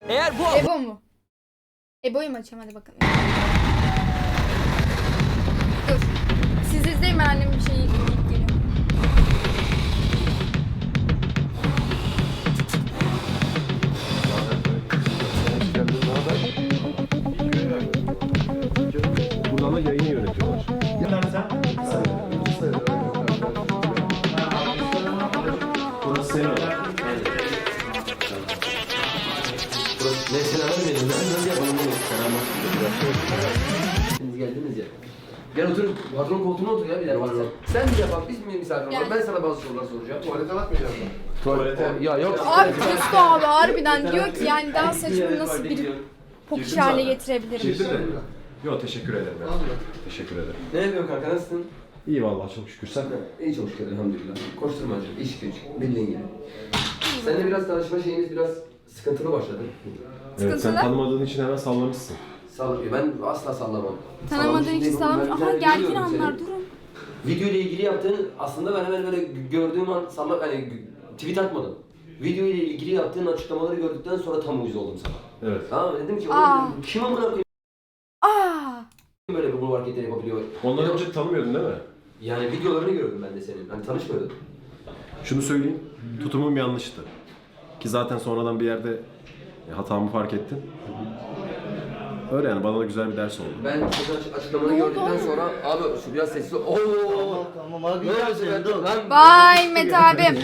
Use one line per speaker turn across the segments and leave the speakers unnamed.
Eğer bu
Ebo mu? Ebo'yu mu açayım, hadi bakalım. Dur. Siz izleyin, ben annemin bir şeyi yiyip geliyorum.
Buradan da yayını yönetiyorlar. Burası senin odan.
Mesela vermedim. Ben nasıl yapalım bunu? Siz geldiniz ya. Gel otur. Patron koltuğuna otur ya bir dakika. Sen mi yapalım? Biz mi misafir olalım? Ben sana bazı sorular soracağım.
Tuvalete bakmayacağım ben. Tuvalete.
Ya yok.
Abi Testo abi harbiden diyor ki yani daha saçma nasıl bir pokişi hale getirebilirim.
Girdin mi? Yok teşekkür ederim ya. Teşekkür ederim.
Ne yapıyorsun kanka? Nasılsın?
İyi vallahi çok şükür sen.
İyi çok şükür elhamdülillah. Koşturmacı, iş güç, bildiğin gibi. Seninle biraz tanışma şeyimiz biraz sıkıntılı başladı.
Evet sen
Sıkıntılı?
tanımadığın için hemen sallamışsın.
Ben asla sallamam.
Tanımadığın
Sallamış
için
değilim.
sallamış.
Ben bir
Aha
tane
gergin
biliyorum seni.
anlar, durun.
Video ile ilgili yaptığın aslında ben hemen böyle gördüğüm an hani tweet atmadım. Video ile ilgili yaptığın açıklamaları gördükten sonra tam uyuz oldum sana.
Evet.
Tamam mı? Dedim ki
Aa.
oğlum kim amına koyayım
Aa!
böyle bu hareketleri yapabiliyor.
Ondan önce tanımıyordun değil mi?
Yani videolarını gördüm ben de senin. Hani tanışmıyorduk.
Şunu söyleyeyim. Tutumum yanlıştı. Ki zaten sonradan bir yerde hatamı fark ettin. Öyle yani bana da güzel bir ders oldu.
Ben senin açıklamanı gördükten sonra abi şu biraz sessiz ol. Oo.
Tamam abi
Ne oldu
gel
ben
dur.
lan?
Vay Mete abim.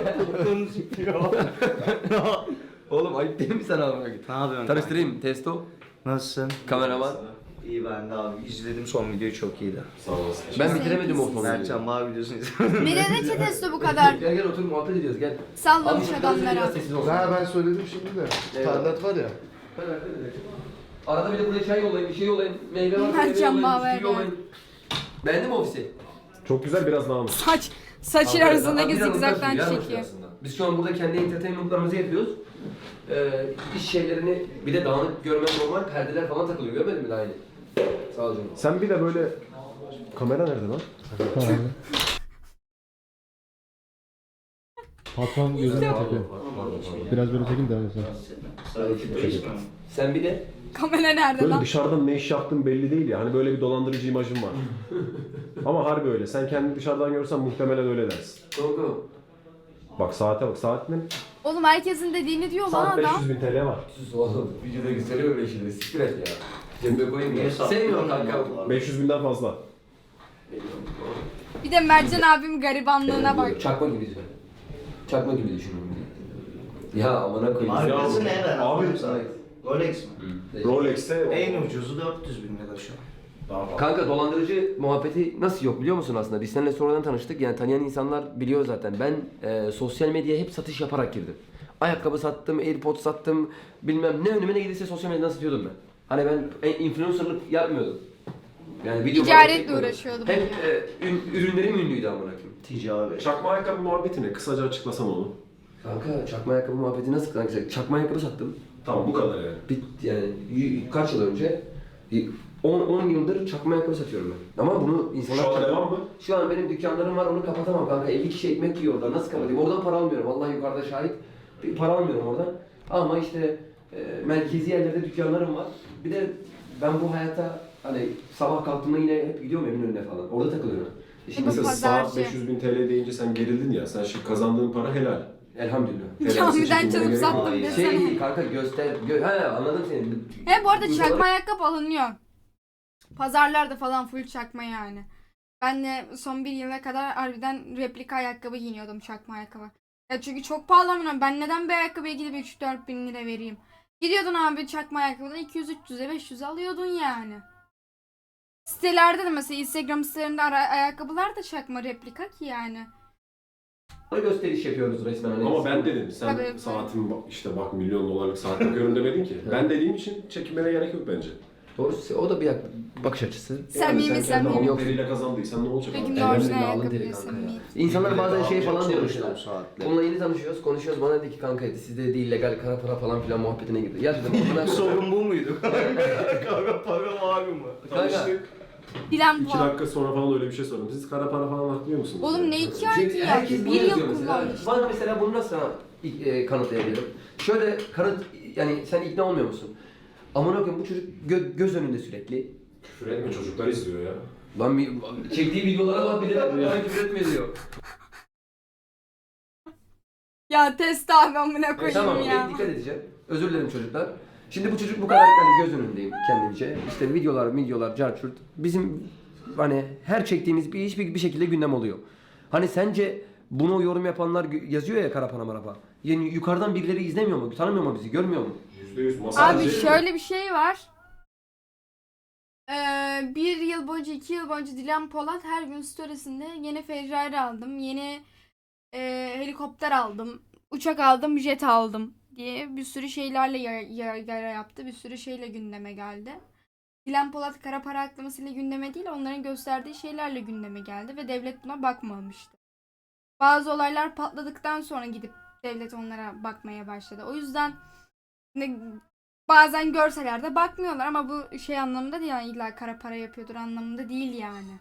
Oğlum ayıp değil mi sana abi?
Ne yapıyorsun?
Tanıştırayım. Testo,
Nasılsın?
kameraman.
İyi ben de abi. İzledim son videoyu, çok iyiydi.
Sağ olasın.
Ben bitiremedim o konuyu.
Mertcan var videosunu izledim.
Bir de ne ki Testo bu kadar?
Gel gel otur muhabbet ediyoruz gel.
Sallamış
Abi,
adamlara.
biraz sessiz olsun.
Ben söyledim şimdi de.
Eyvallah.
Tarlat var ya.
Arada bir de buraya çay yollayın, bir şey yollayın. Meyve var,
Mertcan
meyve yollayın,
Bağver
bisküvi yollayın. Beğendin mi ofisi?
Çok güzel biraz daha mı?
Saçın arasındaki
Biraz
zigzagdan
uzaksın,
çekiyor.
aslında. Biz şu an burada kendi entertainmentlarımızı yapıyoruz. İş şeylerini bir de dağınık görmen normal, perdeler falan takılıyor. Görmedin mi daha yeni? Sağ ol canım.
Sen bir de böyle... Kamera nerede lan?
Patron gözüne takıyor. Biraz böyle çekin devam etsin.
Sen bir de
Kamera nerede
Böyle
lan?
dışarıdan ne iş yaptığın belli değil ya. Hani böyle bir dolandırıcı imajın var. Ama harbi öyle. Sen kendini dışarıdan görürsen muhtemelen öyle dersin.
Korku.
Bak saate bak. Saat ne?
Oğlum herkesin dediğini diyor lan
Saat
adam.
500.000 TL var.
Sus oğlum. Videoda gösteriyor böyle şeyleri. Siktir et ya. Cebime koyayım ya. Sevmiyorum kanka.
500.000'den fazla.
Bir de Mertcan abim garibanlığına bak.
Çakma gibi düşün. Çakma gibi düşün. Ya amına koyayım.
Markası ne ben
Abi,
anladım sana. Rolex mi?
Rolex'te
En ucuzu 400 bin lira şu an.
daha fazla.
Kanka dolandırıcı muhabbeti nasıl yok biliyor musun aslında? Biz seninle sonradan tanıştık. Yani tanıyan insanlar biliyor zaten. Ben sosyal medyaya hep satış yaparak girdim. Ayakkabı sattım, AirPods sattım. Bilmem ne önüme ne gelirse sosyal medyadan satıyordum ben. Hani ben influencerlık yapmıyordum. Yani video falan
Ticaretle
çekmiyordum.
uğraşıyordum.
Hep ürünlerim ünlüydü amına koyayım.
Ticari.
Çakma ayakkabı muhabbeti ne? Kısaca açıklasan onu.
Kanka çakma ayakkabı muhabbeti nasıl kanka? Çakma ayakkabı sattım.
Tamam bu kadar yani.
Yani kaç yıl önce 10 yıldır çakma ayakkabı satıyorum ben. Ama bunu insanlar...
Şu an devam mı?
Şu an benim dükkanlarım var, onu kapatamam kanka. 50 kişi ekmek yiyor orada. Nasıl kapatayım? Oradan para almıyorum. Vallahi yukarıda şahit. Bir para almıyorum oradan. Ama işte merkezi yerlerde dükkanlarım var. Bir de ben bu hayata hani sabah kalktığımda yine hep gidiyorum Eminönü'ne falan. Orada takılıyorum. Şimdi
Bu
Mesela
pazarcı.
saat 500.000 TL deyince sen gerildin ya. Sen şimdi kazandığın para helal.
elhamdülillah.
Camiden çalıp sattım
Şey
desene.
değil kanka he anladım seni.
He bu arada çakma ayakkabı alınıyor. Pazarlarda falan full çakma yani. Ben de son bir yıla kadar harbiden replika ayakkabı giyiniyordum, çakma ayakkabı. Ya çünkü çok pahalı amına. Ben neden bir ayakkabıya gidip 3-4 bin lira vereyim? Gidiyordun abi çakma ayakkabıdan 200-300'e 500'e alıyordun yani. Sitelerde de mesela Instagram sitelerinde ayakkabılar da çakma replika ki yani.
Gösteriş yapıyoruz resmen. Hani
Ama ben dedim. Sen
Tabii.
saatim işte bak milyon dolarlık saat bakıyorum demedin ki. Ben dediğim için çekinmene gerek yok bence.
Doğrusu o da bir bakış açısı.
Samimi,
sen kendi
samimi.
alın teriyle kazandıysan ne olacak
Peki
abi?
ne orijinal
Elhamdülillah, alın
ayakkabı
teri
diyorsun.
kanka ya. İnsanlar bazen şey falan diyormuşlar.
Saatle.
Onunla yeni tanışıyoruz, konuşuyoruz. Bana dedi ki kanka dedi, sizde dedi illegal kara para falan filan muhabbetine girdi. Ya dedim ondan
Sorun bu muydu? Kara para var mı?
Kanka
Dilan
2
Polat.
dakika sonra falan öyle bir şey sordum. Siz kara para falan aklıyor musunuz?
Oğlum ne 2 ay ki ya?
Herkes bunu
1 yıl
yazıyor mesela.
kullanmış.
Bana mesela bunu nasıl kanıtlayabilirim? Şöyle yani sen ikna olmuyor musun? Amına koyayım bu çocuk göz önünde sürekli.
Küfür etme, çocuklar izliyor ya.
Lan çektiği videolara bak bile bana küfür etme diyor.
Ya test abi amına koyayım
Tamam
ya.
dikkat edeceğim. Özür dilerim çocuklar. Şimdi bu çocuk bu kadar hani göz önündeyim kendimce. İşte videolar, carçurt. Bizim hani her çektiğimiz bir iş bir şekilde gündem oluyor. Hani sence bunu yorum yapanlar yazıyor ya kara para marapa. Yani yukarıdan birileri izlemiyor mu? Tanımıyor mu bizi? Görmüyor mu?
%100 masaj.
Abi şöyle bir şey var. 1 yıl boyunca 2 yıl boyunca Dilan Polat her gün storiesinde yeni Ferrari aldım, yeni helikopter aldım, uçak aldım, jet aldım diye bir sürü şeylerle yara yaptı. Bir sürü şeyle gündeme geldi. Dilan Polat kara para aklamasıyla gündeme değil, onların gösterdiği şeylerle gündeme geldi ve devlet buna bakmamıştı. Bazı olaylar patladıktan sonra gidip devlet onlara bakmaya başladı. O yüzden bazen görseler de bakmıyorlar ama bu şey anlamında değil yani illa kara para yapıyordur anlamında değil yani.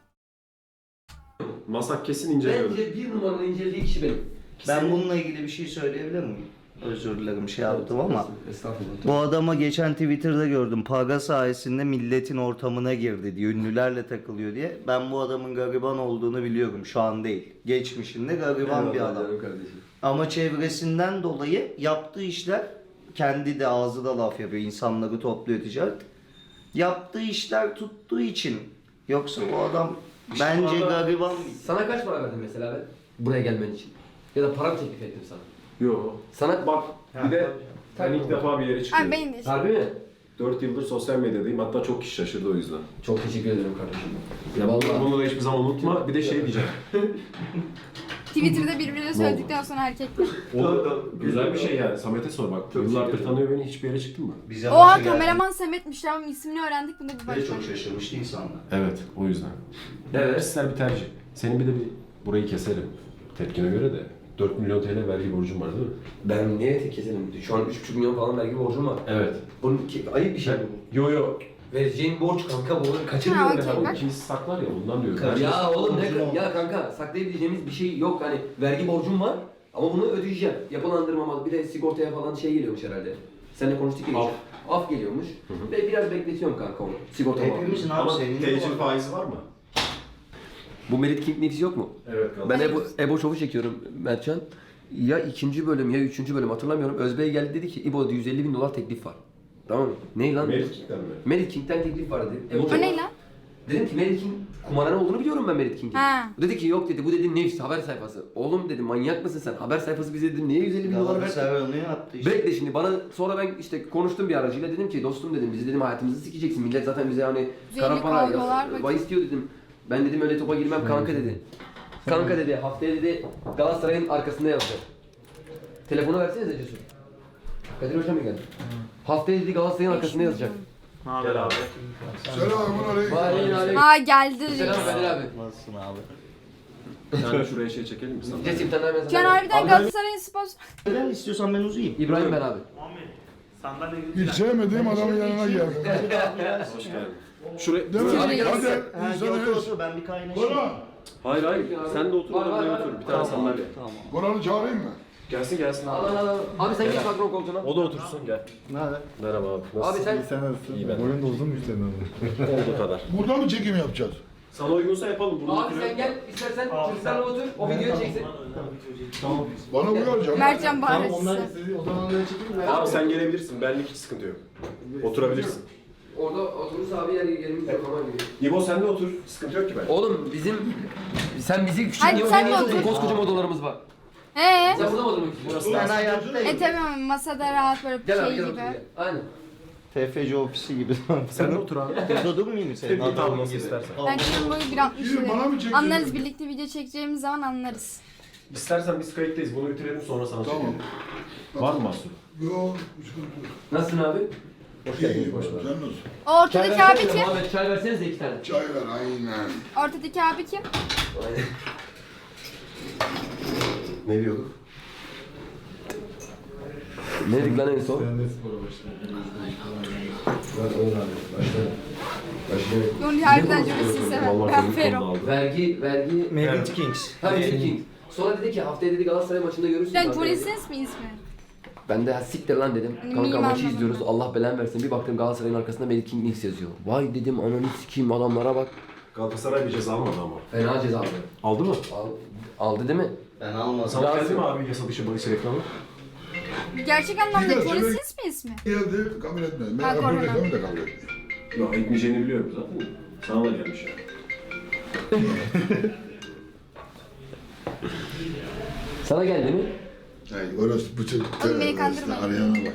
Masak kesin inceliyordur.
Bence bir numaralı incelediği kişi benim.
Ben bununla ilgili bir şey söyleyebilir miyim? Özür dilerim şey yaptım ama.
Estağfurullah.
Bu adama geçen Twitter'da gördüm. Para sayesinde milletin ortamına girdi diye. Ünlülerle takılıyor diye. Ben bu adamın gariban olduğunu biliyorum. Şu an değil. Geçmişinde gariban bir adam.
Kardeşim.
Ama çevresinden dolayı yaptığı işler, kendi de ağzı da laf yapıyor, insanları topluyor ticaret. Yaptığı işler tuttuğu için. Yoksa bu adam bence gariban.
Sana kaç para verdim mesela ben? Buraya gelmen için. Ya da para mı teklif ettim sana?
Yo.
Sana
Bak bir de ben ilk defa bir yere
Abi
çıkıyorum.
benim de
harbi mi?
4 yıldır sosyal medyadayım. Hatta çok kişi şaşırdı o yüzden.
Çok teşekkür ederim kardeşim.
Ya
Vallahi.
bunu da hiçbir zaman unutma. Bir de şey diyeceğim.
Twitter'da birbirine söyledikten sonra erkekler.
O güzel bir şey yani. Samet'e sor bak. Yıllardır tanıyor beni. Hiçbir yere çıktın mı?
Bize
Oha
başa geldi.
kameraman Samet'miş ama ismini öğrendik bunda bir
Ve
başka.
çok şaşırmıştı insanlar.
Evet. O yüzden.
Evet.
Kişisel bir tercih. Senin bir de burayı keserim. Tepkine göre de 4 milyon TL vergi borcum var değil mi?
Ben niye keselim? Şu an 3,5 milyon falan vergi borcum var.
Evet.
Bunun ayıp bir şey mi bu?
Yo yo.
Vereceğin borç kanka bu.
Ha,
Kaçırmıyorum
okey,
ben.
bak.
İkimiz saklar ya bundan diyorum.
Kardeşim.
Ya oğlum
Borcun olmaz.
ya kanka saklayabileceğimiz bir şey yok. Hani vergi borcum var ama bunu ödeyeceğim. Yapılandırmama bir de sigortaya falan şey geliyormuş herhalde. Seninle konuştuk ya.
Af.
Af geliyormuş. Ve biraz bekletiyorum kanka onu. Sigorta
Hepimizin abi
Ama
senin de
tecil
var.
faizi var mı?
Bu Merit King Nefis yok mu?
Evet.
Ben Ebo Show'u çekiyorum Mertcan. Ya 2. bölüm ya 3. bölüm hatırlamıyorum. Özbey geldi dedi ki İbo'da $150.000 teklif var. Tamam mı? Ne lan?
Merit'ten mi?
Merit King'den teklif var dedi.
O ne lan?
Dedim ki Merit King kumarhane olduğunu biliyorum ben Merit King'in.
Ha.
O dedi ki yok dedi bu dedi Nefis haber sayfası. Oğlum dedim manyak mısın sen? Haber sayfası bize dedim niye $150.000 verdin?
Galatasaray onu yaptı işte.
Bekle şimdi bana sonra ben işte konuştum bir aracıyla dedim ki dostum dedim bizi dedim hayatımızı sikeceksin. Millet zaten bize hani kara para
kavgalar
vay istiyor dedim. Ben dedim öyle topa girmem kanka dedi. Kanka dedi haftaya dedi Galatasaray'ın arkasında yazacak. Telefonu versenize Cesur. Kadir Hoca mı geldi? Haftaya dedi Galatasaray'ın arkasında yazacak.
Gel abi.
Vay
Aa geldi.
Selam Kadir abi.
Nasılsın abi?
Sen de şuraya şey çekelim mi sana?
Cesur bir tane daha mesaj.
Can harbiden
Abi,
Galatasaray'ın sponsor.
Neden istiyorsan ben uzayayım.
İbrahim ben abi.
Hiç sevmediğim adamın yanına gel.
Hoş geldin. Şuraya...
Değil mi?
Hadi.
Hadi
Ha,
insana
otur
eş.
otur ben bir kaynaşayım.
Bora,
Hayır hayır. Sen de otur.
Var,
Buraya
var,
otur.
var.
Bir tane sandalye.
Tamam.
Bora'nı çağırayım mı?
Gelsin gelsin
Al
abi.
al al. Abi sen geç patron koltuğuna.
O da otursun gel.
Ne haber?
Merhaba abi.
Abi
Nasılsın?
sen
Sen nasılsın?
İyi ben.
Boyun da uzunmuş senin ama.
Olduğu kadar.
Burada mı çekim yapacağız?
Sana uygunsa yapalım. Burada
Abi sen gel istersen çocuklarla otur o videoyu çeksin.
Bana uyar canım.
Mertcan Bahresi.
O zaman öyle çekeyim mi?
Abi sen gelebilirsin. Benlik hiç sıkıntı yok. Oturabilirsin.
Orada oturursa abi yerimiz yok ama gibi.
İbo sen de otur. Sıkıntı yok ki ben.
Oğlum bizim sen bizi küçük
Hadi
niye
sen de
oynayıyorsun?
otur.
Koskoca odalarımız var.
He.
Sen burada mı oturmak istiyorsun?
Ben hayattayım.
Tabii masada rahat böyle
Gel abi
şey
gel
gibi.
otur gel. Aynen.
TFC ofisi gibi.
Sen de otur abi.
Burada durmayayım mı senin
Bir
adamın
tane nasıl
gibi?
istersen.
Ben şimdi boyu 1.60
Yürü, bana mı
dedim.
çekiyorsun?
Anlarız birlikte video çekeceğimiz zaman anlarız.
İstersen biz kayıttayız. Bunu bitirelim sonra sana
Tamam.
çekelim. Var mı mahsur?
Yok, sıkıntı yok.
Nasılsın abi?
Hoş
İyi,
geldiniz. Hoş
sen
bulduk.
nasılsın?
Ortadaki abi kim?
Muhammed çay versenize 2 tane.
Çay ver, aynen.
Ortadaki abi kim?
Aynen.
Ne diyorduk?
Ne dedik lan en son?
Yoni harbiden Jones'u sever.
Vallahi
Ben
çocuk
Fero.
konuda aldı.
Vergi...
Merit Kings.
Ha Merit King. Sonra dedi ki haftaya dedi Galatasaray maçında görürsün.
Sen
kanka
Johnny
dedi.
Sins mi ismi?
Ben de "Ha, siktir lan dedim.
Hani
Kanka
miyim
maçı
anlamadım
izliyoruz.
ben.
Allah belanı versin. Bir baktım Galatasaray'ın arkasında Merit King Links yazıyor. Vay dedim ananı sikeyim adamlara bak.
Galatasaray bir ceza almadı ama.
Fena ceza aldı.
Aldı mı?
Aldı değil mi?
Ben almadım.
Sana geldi mi abi yasa dışı bahis reklamı?
Gerçek anlamda
Biraz
Johnny
evet.
Sins mi ismi?
Geldi kabul etmedi.
Ha,
Ben
korona.
kabul reklamı da kabul etmiyor.
Yok etmeyeceğini biliyorum zaten. Sana da gelmiş yani.
Sana geldi mi?
Yani orası bu çocuk.
Oğlum beni kandırma.
Arayana bak.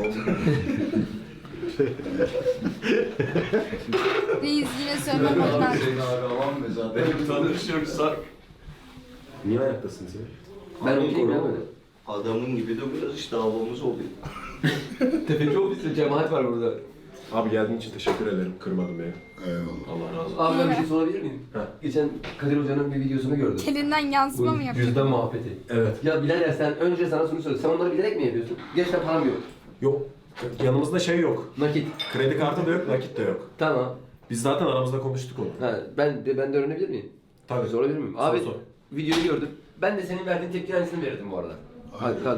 Reis yine sövmem ondan.
Tanış yoksa. Niye ayaktasın sen?
Ben okuyayım ya böyle.
Adamın gibi de biraz işte havamız oluyor.
Tefeci ofiste cemaat var burada.
Abi geldiğin için teşekkür ederim. Kırmadın beni.
Eyvallah.
Allah razı olsun.
Abi ben bir şey sorabilir miyim?
Ha.
Geçen Kadir Hoca'nın bir videosunu gördüm.
Elinden yansıma mı
Bu
yapıyor?
cüzdan muhabbeti.
Evet.
Ya birader sen önce sana şunu söyle. Sen onları bilerek mi yapıyorsun? Gerçekten param yok.
Yok. Yanımızda şey yok.
Nakit.
Kredi kartı da yok, nakit de yok.
Tamam.
Biz zaten aramızda konuştuk onu.
Ha, ben de öğrenebilir miyim?
Tabii.
Sorabilir miyim?
Sor,
Abi
sor.
videoyu gördüm. Ben de senin verdiğin tepki aynısını verirdim bu arada. Hadi hadi.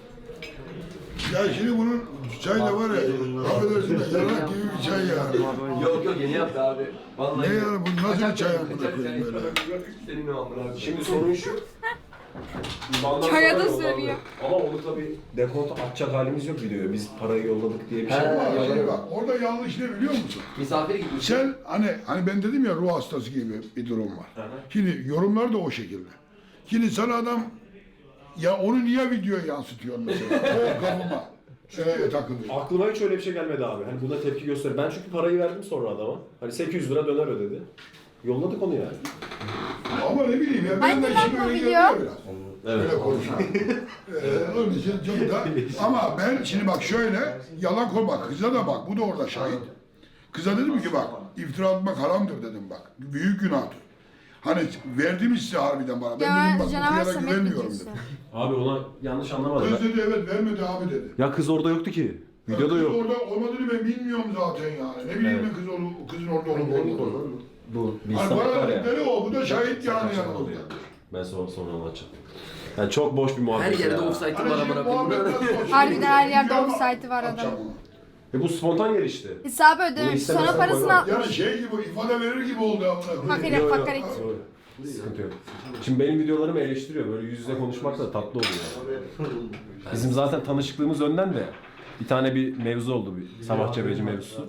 Ya şimdi bunun çay da var ya. Affedersin de yarak gibi bir çay yani.
Yok yok yeni yaptı abi. Vallahi.
Ne yani bu nasıl bir çay amına
Kaçak
koyayım böyle?
Senin o amına abi.
Şimdi sorun şu. İban'dan
Çaya
sonra
da
yolladı.
sövüyor.
Ama onu tabii dekontu atacak halimiz yok videoya. Biz parayı yolladık diye bir şey
He.
var.
Ama şimdi bak orada yanlış ne biliyor musun?
Misafir gitmiş.
Sen hani ben dedim ya ruh hastası gibi bir durum var.
Hı hı.
Şimdi yorumlar da o şekilde. Şimdi sana adam ya onu niye videoya yansıtıyorsun mesela? O kafama takılıyor.
Aklıma hiç öyle bir şey gelmedi abi. Hani buna tepki göster. Ben çünkü parayı verdim sonra adama. Hani 800 lira döner ödedi. Yolladık onu yani.
Ama ne bileyim ya
Hangi
ben de
lan
işim
bu
öyle
video?
geliyor biraz.
Evet.
Öyle konuşuyorum. Onun için çok da ama ben şimdi bak şöyle yalan koyma kıza da bak bu da orada şahit. Kıza dedim ki bak iftira atmak haramdır dedim bak. Büyük günahtır. Hani verdim size harbiden bana. Ben
Ya
dedim bak
canavar
bu kıyana
Samet
güvenmiyorum
videosu.
dedim.
Abi ona yanlış anlamadım.
Kız dedi evet vermedi abi dedi.
Ya kız orada yoktu ki. Videoda
Kız
yok.
orada olmadığını ben bilmiyorum zaten yani. Ne bileyim ben kızın orada olup olmadığını.
Bu bir
Hani
sanat
bana
var ya.
dedikleri o. Bu da şahit yani
Saçma
yanımızda.
oluyor. Ben sonra anlatacağım. Yani çok boş bir muhabbet
Her yerde
ya.
offside'ım
Hani
var
şimdi
amına
muhabbet
koyayım.
nasıl olsun?
Harbiden her yerde
Video ama
offside'ı var adamın.
atacağım onu.
Bu spontan gelişti.
Hesabı
Bunu
ödememiş.
istemesen
Sonra parasını
koymam.
atmış.
Yani şey gibi ifade verir gibi oldu amına koyayım.
Fakir fakir.
Sıkıntı yok. Şimdi benim videolarımı eleştiriyor. Böyle yüz yüze konuşmak da tatlı oluyor. Bizim zaten tanışıklığımız önden de bir tane bir mevzu oldu. Bir sabah cebeci mevzusu.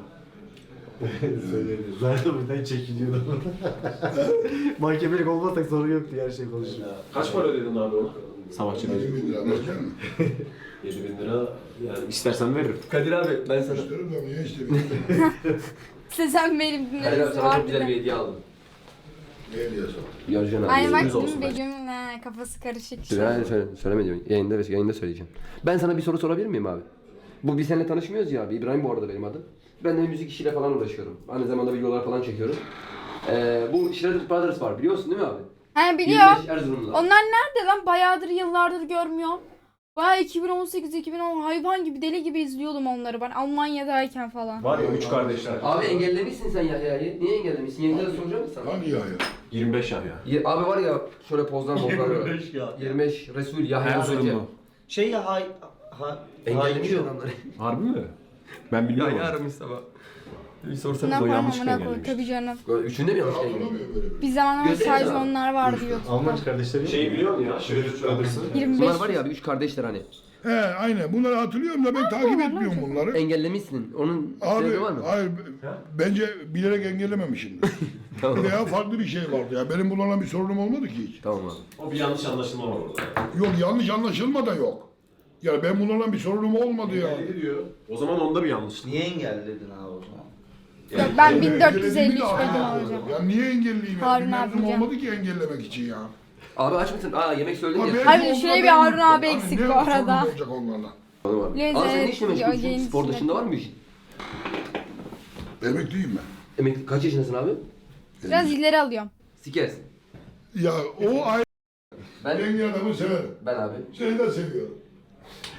Zaten buradan çekiliyordum. Mahkemelik olmasak sorun yoktu her şey konuşuyor.
Kaç para ödedin abi ona? Sabah cebeci.
20 lira bakar mı?
7.000 lira yani istersen veririm.
Kadir abi ben sana...
İsterim de niye istemiyorum?
İşte sen benim
Kadir abi
dinledin.
sana çok güzel bir hediye aldım.
Ne diyorsun?
Yarcan abi.
Ay bak
Yüz olsun
değil mi
bence.
Begüm'ün kafası karışık.
Söyleme diyorum. Yayında söyleyeceğim. Ben sana bir soru sorabilir miyim abi? Bu biz seninle tanışmıyoruz ya abi. İbrahim bu arada benim adım. Ben de müzik işiyle falan uğraşıyorum. Aynı zamanda videolar falan çekiyorum. Bu Shredded Brothers var biliyorsun değil mi abi?
He biliyorum.
25 Erzurumlular.
Onlar nerede lan? Bayağıdır yıllardır görmüyorum. Bayağı 2018-2010 hayvan gibi deli gibi izliyordum onları ben Almanya'dayken falan.
Var ya 3 kardeşler.
Abi engellemişsin sen Yahya'yı. Niye engellemişsin? Yeniden soracağım mı sana?
Hangi ya?
25 ya.
Abi var ya şöyle pozlar mozlar var. 25 Resul Yahya Hoca.
Şey ya
Engellemiş
haycı.
adamları.
Harbi mi? Ben bilmiyorum.
aramış sabah. Bir
Ne
sorsanız
o
yapalım
yanlış
amına koy
engellemiş.
tabii canım.
Üçünde mi yanlış engellemiş?
Hatırlamıyor böyle bir.
Bir zamanlar
Göstereyim
sadece
sana.
onlar vardı YouTube'da.
Alman kardeşleri.
Şeyi biliyor musun ya? Shredded Brothers'ı.
25.
Bunlar var ya abi 3 kardeşler hani.
He aynen bunları hatırlıyorum da ben takip etmiyorum bunları.
Engellemişsin. Onun
Abi
sebebi var mı?
hayır bence bilerek engellememişimdir.
Tamam.
Veya farklı bir şey vardı ya. Benim bunlarla bir sorunum olmadı ki hiç.
Tamam abi.
O bir yanlış anlaşılma var orada.
Yok yanlış anlaşılma da yok. Yani ben bunlarla bir sorunum olmadı ya.
Ne diyor? O zaman onda bir yanlışlık.
Niye engelledin abi o zaman?
Yok ben
Yani
1453
engellediğimi de
Begüm
hatırlamıyorum.
olacağım.
Ya niye engelleyeyim? Ya?
Harun
Bir mevzum
abi
olmadı ki engellemek için ya.
Abi aç mısın? Aa yemek söyledin
Abi
ya.
belki
Harbiden
onlar
şuraya bir
ben
Harun
unuttum.
abi
Hani
eksik
ne
bu arada.
sorunum olacak onlarla?
Tamam abi.
Lezzet,
Abi sen ne işle meşgulsün?
yayın
Spor
içinde.
dışında var mı bir işin?
Emekliyim ben.
Emekli kaç yaşındasın abi?
Biraz ileri alıyorum.
Sikersin.
Ya o ayrı
Ben
yenge adamı severim.
ben abi.
Seni de seviyorum.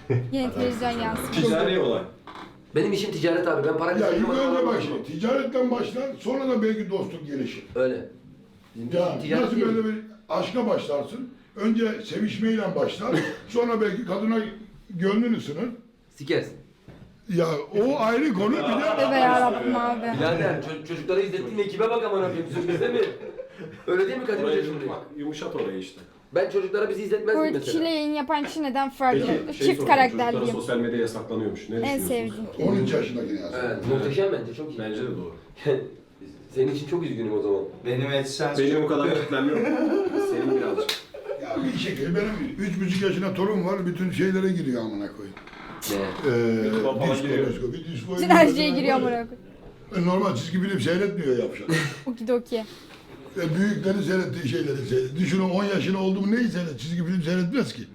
Yine televizyon yansımış.
Ticari olay.
Benim işim ticaret abi. Ben para
Ya ilk
kazanmadan
önce
para
bak şimdi ticaretten başlar, sonra da belki dostluk gelişir.
Öyle. Bizim
Ya
ticaret
nasıl
değil.
böyle bir aşka başlarsın, önce sevişmeyle başlar, sonra belki kadına gönlünü ısınır.
Sikersin.
Ya o ayrı konu bir de...
Tövbe yarabbim abi.
Birader çocuklara izlettiğin ekibe bak amına koyayım. Sırf bize mi? Öyle değil mi Kadir Hoca şimdi?
Yumuşat orayı işte.
Ben çocuklara bizi izletmezdim
Bu
mesela.
kişiyle yayın yapan kişi neden farklı?
Peki
Çift
sorayım,
karakterliyim.
çocuklara sosyal medya yasaklanıyormuş. Ne
En
düşünüyorsunuz?
sevdiğim.
13 yaşındaki yani.
Evet, muhteşem bence çok iyi.
Bence de doğru.
Senin için çok üzgünüm o zaman.
Benim AdSense
Benim o kadar kitlem yok. Senin birazcık.
Ya bir şekilde benim 3,5 yaşında torun var, bütün şeylere giriyor amına koyayım.
Ne?
Baba
Disko,
giriyor.
disko.
Bütün her şeye giriyor amına koyayım.
Normal çizgi film seyretmiyor yapşan.
Okidoki.
Büyüklerin seyrettiği şeyleri seyrediyor. Düşünün 10 yaşında oldu mu neyi seyret? Çizgi film seyretmez ki.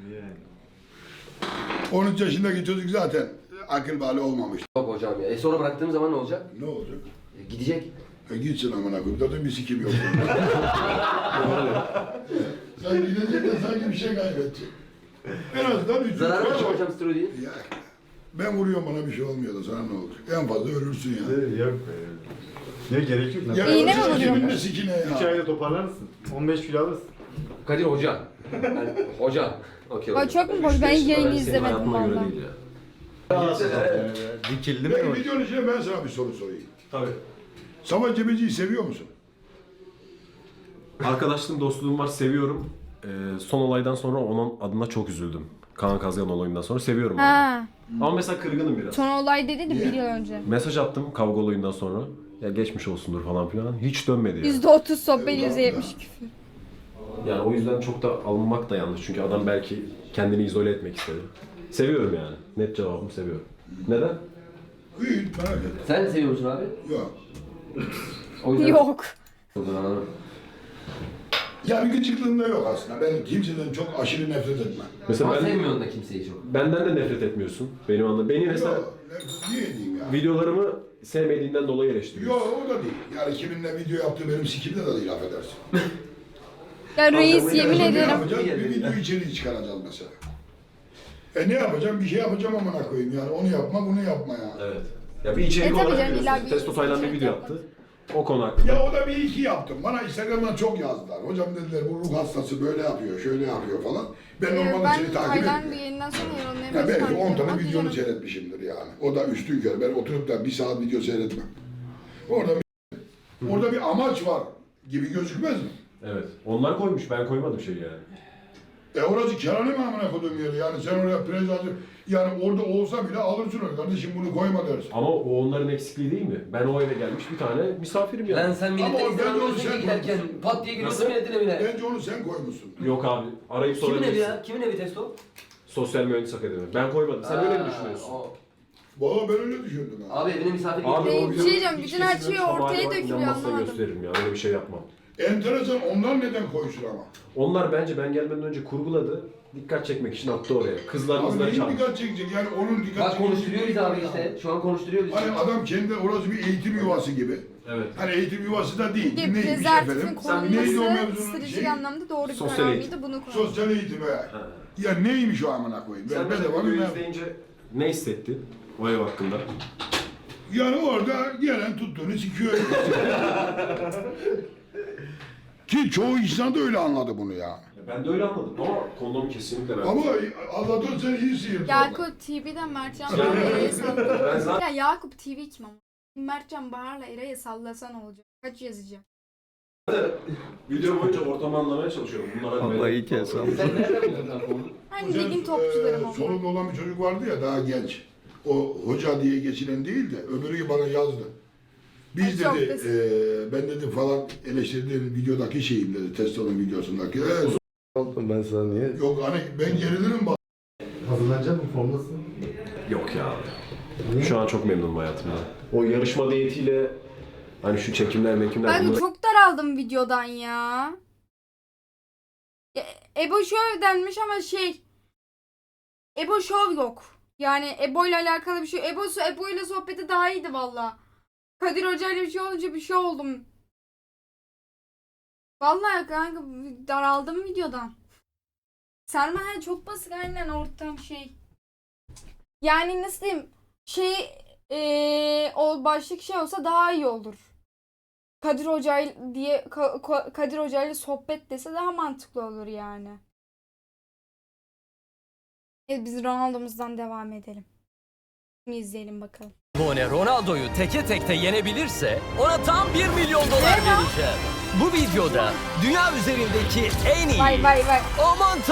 13 yaşındaki çocuk zaten akıl bali olmamış.
Yok hocam ya. Sonra bıraktığım zaman ne olacak?
Ne olacak?
Gidecek.
Gitsin amına koyayım. Zaten bir sikim yok. Sen gidecek de sanki bir şey kaybedecek. En azından 3
Zarar var mı hocam steroidin?
Ya, ben vuruyorum bana bir şey olmuyor da sana ne olacak? En fazla ölürsün ya.
Yok be. Ne gerek yok lan.
Ya
İğne mi
ölürsen
vuruyor?
kimin de sikine
3
ya.
ayda toparlarsın. 15 kilo alırsın.
Kadir hoca. Yani, hoca. Okey.
O çok mu boş? Ben yayını
Senin
izlemedim
hayatıma göre
valla.
değil ya.
Dikildi mi
Peki
o?
videonun içine ben sana bir soru sorayım.
Tabii.
Savaş Cebeci'yi seviyor musun?
Arkadaşlığım, dostluğum var, seviyorum. Son olaydan sonra onun adına çok üzüldüm. Kaan Kazgan olayından sonra seviyorum onu.
Ha.
Ama mesela kırgınım biraz.
Son olay dedi de bir yıl önce.
Mesaj attım kavga olayından sonra. Ya geçmiş olsundur falan filan. Hiç dönmedi yani.
%30 sohbet, %70 küfür.
Yani o yüzden çok da alınmak da yanlış. Çünkü adam belki kendini izole etmek istedi. Seviyorum yani. Net cevabım seviyorum. Neden?
İyi, merak etme.
Sen seviyor musun abi?
Yok.
O yüzden...
Yok.
Anladım.
Yani gıcıklığımda yok aslında. Ben kimseden çok aşırı nefret etmem.
Mesela
Ama
ben,
sevmiyorsun da kimseyi çok.
benden de nefret etmiyorsun. Benim anladığım. Beni mesela
Yok, niye diyeyim ya?
videolarımı sevmediğinden dolayı eleştiriyorsun.
Yok o da değil. Yani kiminle video yaptığı benim sikimde de değil affedersin.
Ya reis yemin
Ne
ederim.
yapacağız? Bir video içeriği çıkaracağız mesela. Ne yapacağım? Bir şey yapacağım amına koyayım yani. Onu yapma, bunu yapma ya.
Evet. Ya bir içerik
tabii
olarak
canım, illa
biliyorsun.
bir
Testo Taylan bir
içerik
video
yapmak.
yaptı. O konu hakkında.
Ya o da bir iki yaptım. Bana Instagram'dan çok yazdılar. Hocam dediler bu ruh hastası böyle yapıyor, şöyle yapıyor falan. Ben normalde seni
Ben
takip
Tayland bir
etmiyorum.
yayından sonra
Ya
yorumlayamıyorum.
belki 10 tane videonu seyretmişimdir yani. O da üstün körü. Ben oturup da bir saat video seyretmem. Orada bir amaç var gibi gözükmez mi?
Evet. Onlar koymuş. Ben koymadım şey yani.
Orası kerane mi amına koyduğum yeri? Yani sen oraya prezentı, yani orada olsa bile alırsın onu. Kardeşim bunu koyma dersin.
Ama o onların eksikliği değil mi? Ben o eve gelmiş bir tane misafirim yani.
Lan sen
Ama
milletten
o
izin
bence
almıyorsun
onu sen
ki giderken
koymuşsun.
pat diye giriyorsun
Nasıl?
milletin evine.
Bence onu sen koymuşsun.
Yok abi. Arayıp
Kimin evi
sorabilirsin.
ya? Kimin evi Testo?
Sosyal Mühendis Akademi. Ben koymadım. Sen öyle mi düşünüyorsun?
o.
Valla ben öyle düşündüm. Ha.
Abi evine misafir
Abi
geliyor.
o
Bir
video
şey diyeceğim,
hiç
bütün her
kesilmemiş
şey
ama
ortaya
bak,
dökülüyor,
inanmazsan
anlamadım.
gösteririm ya. Öyle bir şey yapmam.
Enteresan onlar neden koysun ama?
Onlar bence ben gelmeden önce kurguladı. Dikkat çekmek için attı oraya. Kızlar
Abi
kızları
neyin
çağırmış.
dikkat çekecek? Yani onun dikkat
Bak
çekecek
konuşturuyor bizi
değil
abi
ya.
işte. Şu an konuşturuyor bizi.
Hani adam kendi orası bir eğitim yuvası gibi.
Evet.
Hani eğitim yuvası da değil.
Ki
Neymiş
prezervatifin
efendim? Neydi o
korunması
mevzunun
stratejik
şeyi?
anlamda doğru bir
Sosyal
karar
eğitim.
mıydı bunu koyalım.
Sosyal eğitim ya. Ya neymiş o amına koyayım?
Sen
Ben
mesela
bedava
videoyu
bilmem.
izleyince ne hissettin o ev hakkında?
Yani orada gelen tuttuğunu sikiyor. Ki çoğu insan da öyle anladı bunu ya.
Ben de öyle anladım ama kondomu kesinlikle ben.
Ama Allah'tan sen iyi sıyırdın.
Yakup TV'den Mertcan
Ben-
Bahar'la Eray'ı sallasa.
Ben zaten
Ya Yakup TV kim ama? Mertcan Bahar'la Eray'ı sallasan olacak. Kaç yazacağım?
video boyunca ortamı anlamaya çalışıyorum. Bunlara
Vallahi kes
Sen nereden buldun lan onu?
Hani ligin topçularım o.
Solunda olan bir çocuk vardı ya daha genç. O hoca diye geçilen değil de öbürü bana yazdı. Biz
Ay, çok
dedi,
basit.
ben dedi falan eleştirdiğim videodaki şeyim dedi, Testo'nun videosundaki.
Oğlum ben sana niye?
Yok hani ben gerilirim bak.
Hazırlanacak mı? Formdasın.
Yok ya.
Niye?
Şu an çok memnunum hayatımdan. O yarışma diyetiyle hani şu çekimler mekimler
Ben
bunları
çok daraldım videodan ya. Ebo Show denmiş ama Ebo Show yok. Yani Ebo ile alakalı bir şey. Ebo ile sohbeti daha iyiydi valla. Kadir Hoca ile bir şey olunca bir şey oldum. Vallahi kanka daraldım videodan. Selma çok basit aynen ortam Yani nasıl diyeyim? O başlık şey olsa daha iyi olur. Kadir Hoca diye Kadir Hoca ile sohbet dese daha mantıklı olur yani. Biz Ronaldo'muzdan devam edelim. Şimdi izleyelim bakalım.
Abone Ronaldo'yu teke tekte yenebilirse ona tam 1 milyon dolar vereceğim. Bu videoda dünya üzerindeki en iyi,
Vay vay vay.
aman